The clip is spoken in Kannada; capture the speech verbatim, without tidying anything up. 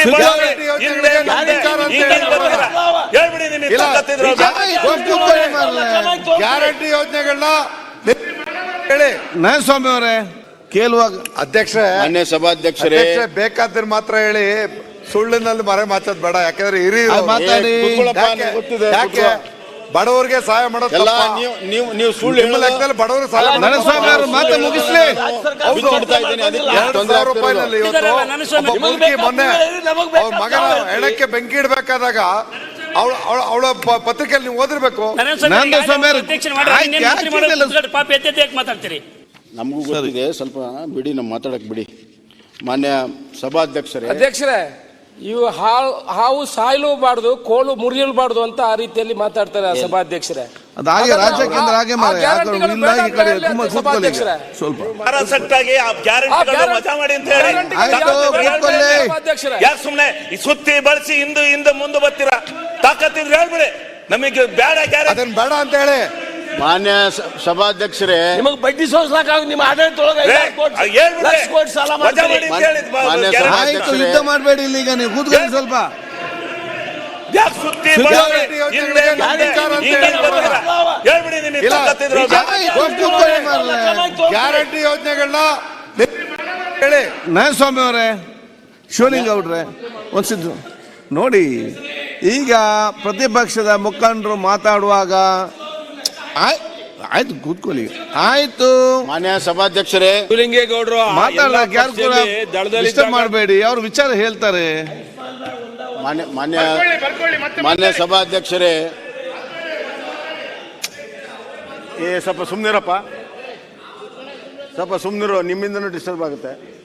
ಗ್ಯಾರಂಟಿ ಯೋಜನೆಗಳನ್ನ ಹೇಳಿ ಸ್ವಾಮಿ ಅವರೇ ಕೇಳುವಾಗ ಅಧ್ಯಕ್ಷರೇ, ಮಾನ್ಯ ಸಭಾಧ್ಯಕ್ಷರೇ, ಬೇಕಾದ್ರೆ ಮಾತ್ರ ಹೇಳಿ, ಸುಳ್ಳಿನಲ್ಲಿ ಮರೆ ಮಾತಾಡ್ ಬೇಡ. ಯಾಕಂದ್ರೆ ಹಿರಿಯರು ಮಾತಾಡಿ, ಯಾಕೆ ಬಡವರಿಗೆ ಸಹಾಯ ಮಾಡೋದು ನೀವು ನೀವು ಸುಳ್ಳು ಲೆಕ್ಕದಲ್ಲಿ ಬಡವರಿಗೆ ಸಹಾಯ ಸ್ವಾಮಿ ಅವರು ಮಾತು ಮುಗಿಸ್ಲಿ. ಎರಡು ಸಾವಿರ ರೂಪಾಯಿನಲ್ಲಿ ಇವತ್ತು ಮೊನ್ನೆ ಅವ್ರ ಮಗನ ಹೆಣಕ್ಕೆ ಬೆಂಕಿ ಇಡ್ಬೇಕಾದಾಗ ಅವಳ ಅವಳ ಪತ್ರಿಕೆಯಲ್ಲಿ ನೀವು ಓದಿರ್ಬೇಕು. ಮಾತಾಡ್ತೀರಿ ನಮಗೂ ಗೊತ್ತಿದೆ, ಸ್ವಲ್ಪ ಬಿಡಿ, ನಮ್ಮ ಮಾತಾಡಕ್ ಬಿಡಿ. ಮಾನ್ಯ ಸಭಾಧ್ಯಕ್ಷರೇ ಅಧ್ಯಕ್ಷರೇ, ಇವು ಹಾವು ಹಾವು ಸಾಯಲೂಬಾರ್ದು, ಕೋಲು ಮುರಿಯಲ್ಬಾರ್ದು ಅಂತ ಆ ರೀತಿಯಲ್ಲಿ ಮಾತಾಡ್ತಾರೆ ಸಭಾಧ್ಯಕ್ಷರೇ. ಅದಾಗೆ ರಾಜ್ಯಕ್ಕೆ ಹಾಗೆ ಸ್ವಲ್ಪ ಯಾಕೆ ಸುಮ್ನೆ ಸುತ್ತಿ ಬಳಸಿ ಹಿಂದೆ ಹಿಂದೆ ಮುಂದೆ ಬರ್ತೀರಾ? ತಾಕತ್ತಿದ್ರೆ ಹೇಳ್ಬಿಡಿ, ನಮಗೆ ಬೇಡ ಅದನ್ನ ಬೇಡ ಅಂತ ಹೇಳಿ. ಮಾನ್ಯ ಸಭಾಧ್ಯಕ್ಷರೇ, ನಿಮಗೆ ಬಡ್ಡಿ ಸೋಸ್ಲಾಕ ನಿಮ್ಮ ಯುದ್ಧ ಮಾಡಬೇಡಿ ಇಲ್ಲಿ, ಈಗ ನೀವು ಕೂತ್ಕೊಳ್ಳಿ ಸ್ವಲ್ಪ. ಗ್ಯಾರಂಟಿ ಯೋಜನೆಗಳನ್ನ ಹೇಳಿ. ಸ್ವಾಮಿ ಅವರೇ, ಶಿವಲಿಂಗ ಅವ್ರೆ, ಒಂದ್ಸಿದ್ದು ನೋಡಿ, ಈಗ ಪ್ರತಿಪಕ್ಷದ ಮುಖಂಡರು ಮಾತಾಡುವಾಗ ಆಯ್ತು ಕೂತ್ಕೊಳ್ಳಿ, ಆಯ್ತು. ಮಾನ್ಯ ಸಭಾಧ್ಯಕ್ಷರೇ, ಶಿವಲಿಂಗೇಗೌಡರು ಮಾತಾಡಕ್ಕೆ ಯಾರು ಕೂಡ ಡಿಸ್ಟರ್ಬ್ ಮಾಡಬೇಡಿ, ಅವ್ರ ವಿಚಾರ ಹೇಳ್ತಾರೆ. ಮಾನ್ಯ ಮಾನ್ಯ ಮಾನ್ಯ ಸಭಾಧ್ಯಕ್ಷರೇ, ಏ ಸ್ವಲ್ಪ ಸುಮ್ನಿರಪ್ಪ, ಸ್ವಲ್ಪ ಸುಮ್ನಿರೋ, ನಿಮ್ಮಿಂದನೂ ಡಿಸ್ಟರ್ಬ್ ಆಗುತ್ತೆ.